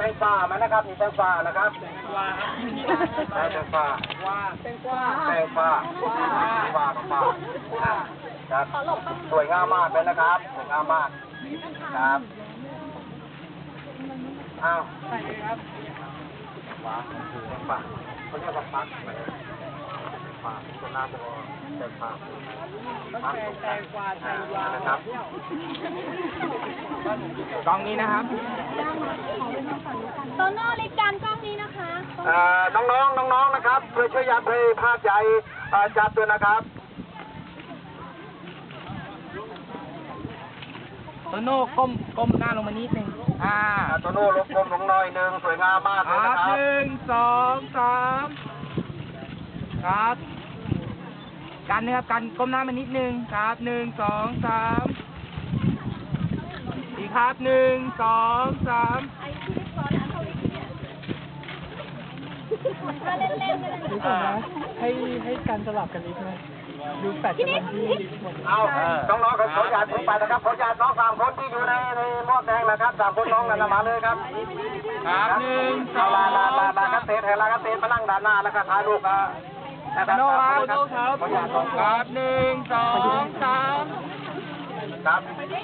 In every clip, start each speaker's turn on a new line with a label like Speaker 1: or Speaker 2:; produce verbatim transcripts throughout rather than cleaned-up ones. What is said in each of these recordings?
Speaker 1: งฟ้าไหมนะครับมีแตงฟ้านะครับแตงฟ้าแตงฟ้าแตงฟ้าฟ้าฟ้าครับสวยงามมากเลยนะครับสวยงามมากครับอ้าวใส่เลยครับฟ้าคือแตงฟ้าเขาเรียกว่าฟักฟ้าตัวหน้าจะแตงฟ้าแตงฟ้าแตงฟ้านะครับกล้องนี้นะครับ
Speaker 2: โตโน่เล็กจานกล้องนี้นะคะ
Speaker 1: น้องๆน้องๆนะครับช่วยช่วยยัดให้ภาพใหญ่จัดด้วยนะครับ
Speaker 3: โตโน่ก้มก้มหน้าลงมานิดนึงอ่า
Speaker 1: โตโน่ลบกลมลงหน่อยหนึ่งสวยงามมากเลยนะครับ
Speaker 3: หนึ่งสองสามครับกันนะครับกันก้มหน้ามานิดนึงครับหนึ่งสองสามอีกครับหนึ่งสองสาม
Speaker 2: ถ้าเล่นๆเลย
Speaker 4: ดูก่อนนะให้ให้การสลับกันนิดนะดูแปดจำนวนที่หมด
Speaker 1: เอาน้องๆขออนุญาตลงไปนะครับขออนุญาตน้องสามคนที่อยู่ในในหม้อแดงนะครับสามคนน้องกันมาเลยครับ
Speaker 3: ครับหนึ่งสอง
Speaker 1: ลาลาลาลาคัสเตนลาคัสเตนมานั่งด้านหน้าแล้วก็ถ่ายรูปนะ
Speaker 3: โตโน่ครับโตโน่ครับครับหนึ่งสองสาม
Speaker 1: ครับ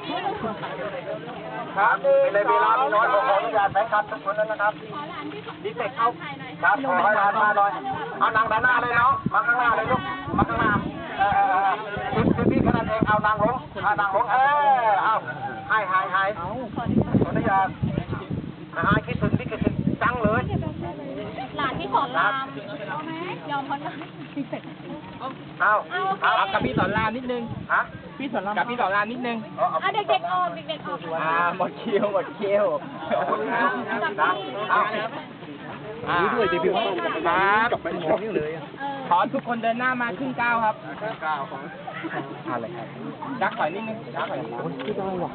Speaker 1: ครับในเวลามีน้อยขออนุญาตแฟนคลับทุกคนนะครับดีเซ็กเอาครับขอให้ร้านมาหน่อยเอานั่งด้านหน้าเลยเนาะมาข้างหน้าเลยลูกมาข้างหน้าเออสิบสิบพี่ขนาดเองเอานางลงเอานางลงเออเอาให้ให้ให้ขออนุญาตให้คิดถึงพี่คิดถึงจังเลย
Speaker 2: หลานที่สอนรามยอมพ้นนะ
Speaker 1: เอา
Speaker 3: เอากับพี่สอนรามนิดนึง
Speaker 1: ฮะ
Speaker 3: พี่สอนรามกับพี่สอนรามนิดนึง
Speaker 2: อ่ะเด็กๆออกเด็กๆออก
Speaker 3: อ่าหมดคิวหมดคิว
Speaker 1: นี่ด้วยเดบิวต์
Speaker 3: ครับ
Speaker 1: กับเป็นของนี่เลย
Speaker 3: ขอทุกคนเดินหน้ามาครึ่งก้าวครับ
Speaker 1: ครึ่งก้าวของ
Speaker 3: อะไรครับดักถอยนิดนึงดักถอย
Speaker 4: ไม่ได้หรอก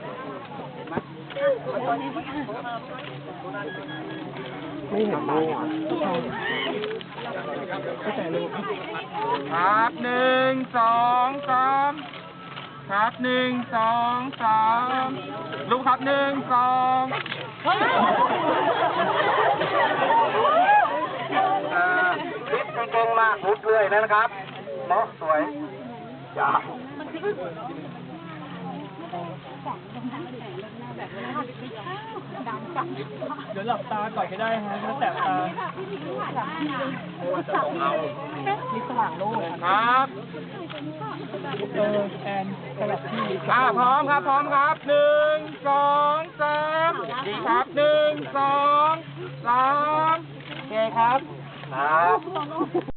Speaker 4: ไม่เห็นเลยอ่ะไม่ใช่เลย
Speaker 3: ครับหนึ่งสองสามครับหนึ่งสองสามลูกครับหนึ่งสอง
Speaker 1: คลิปเก่งมากมุดเลยนะครับเนาะสวยจ้า
Speaker 4: เดี๋ยวหลับตาก่อนก็ได้ฮะแล้วแต่ตานี่สว่างโล่ง
Speaker 3: ครับ
Speaker 4: เออแอนสลับที่
Speaker 3: อ่าพร้อมครับพร้อมครับหนึ่งสองสามดีครับหนึ่งสองสามโอเคครับ
Speaker 1: ครับ